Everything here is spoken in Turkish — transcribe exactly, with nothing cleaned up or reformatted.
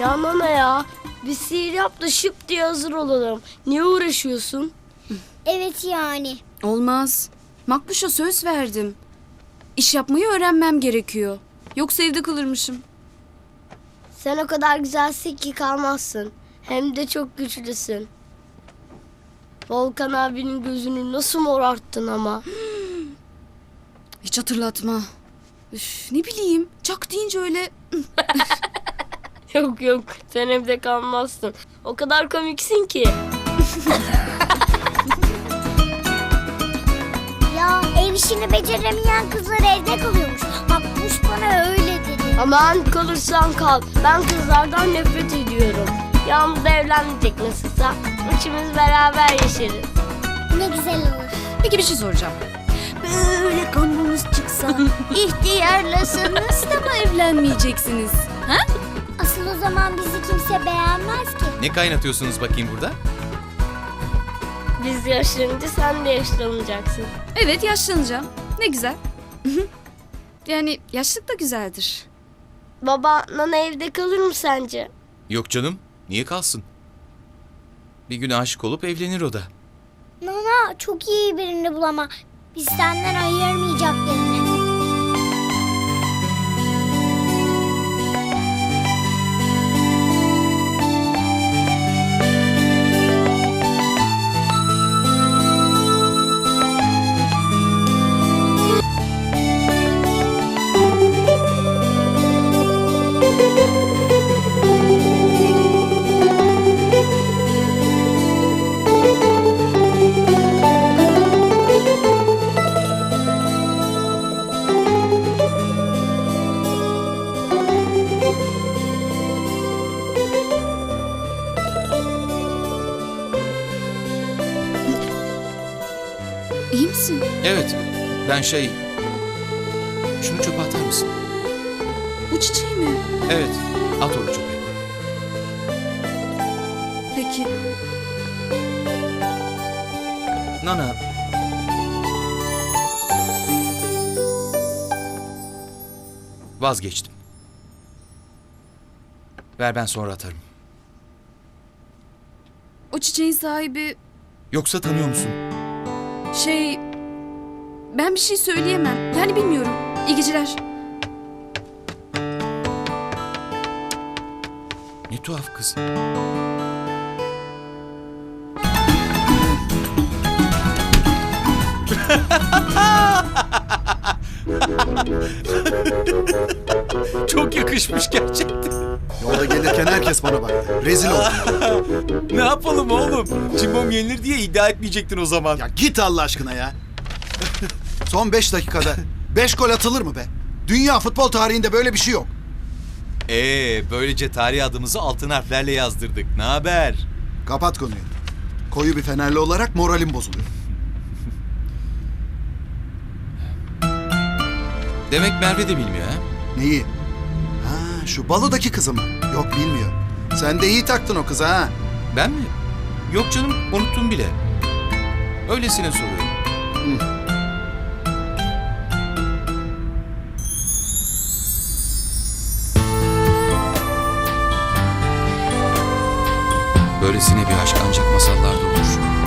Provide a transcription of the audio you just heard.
Ya Nana ya, bir sihir yap da şıp diye hazır olalım. Niye uğraşıyorsun? Evet yani. Olmaz. Makbuş'a söz verdim. İş yapmayı öğrenmem gerekiyor. Yoksa evde kalırmışım. Sen o kadar güzelsin ki kalmazsın. Hem de çok güçlüsün. Volkan abinin gözünü nasıl morarttın ama. Hiç hatırlatma. Üf, ne bileyim. Çak deyince öyle... Yok yok, sen evde kalmazsın. O kadar komiksin ki. Ya ev işini beceremeyen kızlar evde kalıyormuş. Makbuş bana öyle dedi. Aman kalırsan kal. Ben kızlardan nefret ediyorum. Yağmur da evlenmeyecek nasılsa. Üçümüz beraber yaşarız. Ne güzel olur. Peki bir şey soracağım. Böyle kanunuz çıksa ihtiyarlasanız da mı evlenmeyeceksiniz? Ha? Asıl o zaman bizi kimse beğenmez ki. Ne kaynatıyorsunuz bakayım burada? Biz yaşlanınca sen de yaşlanacaksın. Evet, yaşlanacağım. Ne güzel. Yani yaşlılık da güzeldir. Baba, Nana evde kalır mı sence? Yok canım. Niye kalsın? Bir gün aşık olup evlenir o da. Nana çok iyi birini bulama. Biz senden ayırmayacak birini. İyi misin? Evet. Ben şey... Şunu çöpe atar mısın? Bu çiçeği mi? Evet. At onu çöpe. Peki. Nana. Vazgeçtim. Ver ben sonra atarım. O çiçeğin sahibi Yoksa tanıyor musun? şey... Ben bir şey söyleyemem. Yani bilmiyorum. İyi geceler. Ne tuhaf kız. Çok yakışmış gerçekten. Yolda gelirken herkes bana baktı. Rezil oldum. Ne yapalım oğlum? Cimbom yenilir diye iddia etmeyecektin o zaman. Ya git Allah aşkına ya. Son beş dakikada beş gol atılır mı be? Dünya futbol tarihinde böyle bir şey yok. Ee, böylece tarih adımızı altın harflerle yazdırdık. Ne haber? Kapat konuyu. Koyu bir Fenerli olarak moralim bozuluyor. Demek Merve de bilmiyor ha? Neyi? Ha, şu balodaki kızı mı? Yok, bilmiyor. Sen de iyi taktın o kıza ha. Ben mi? Yok canım, unuttum bile. Öylesine soruyorum. Hı. Böylesine bir aşk ancak masallarda olur.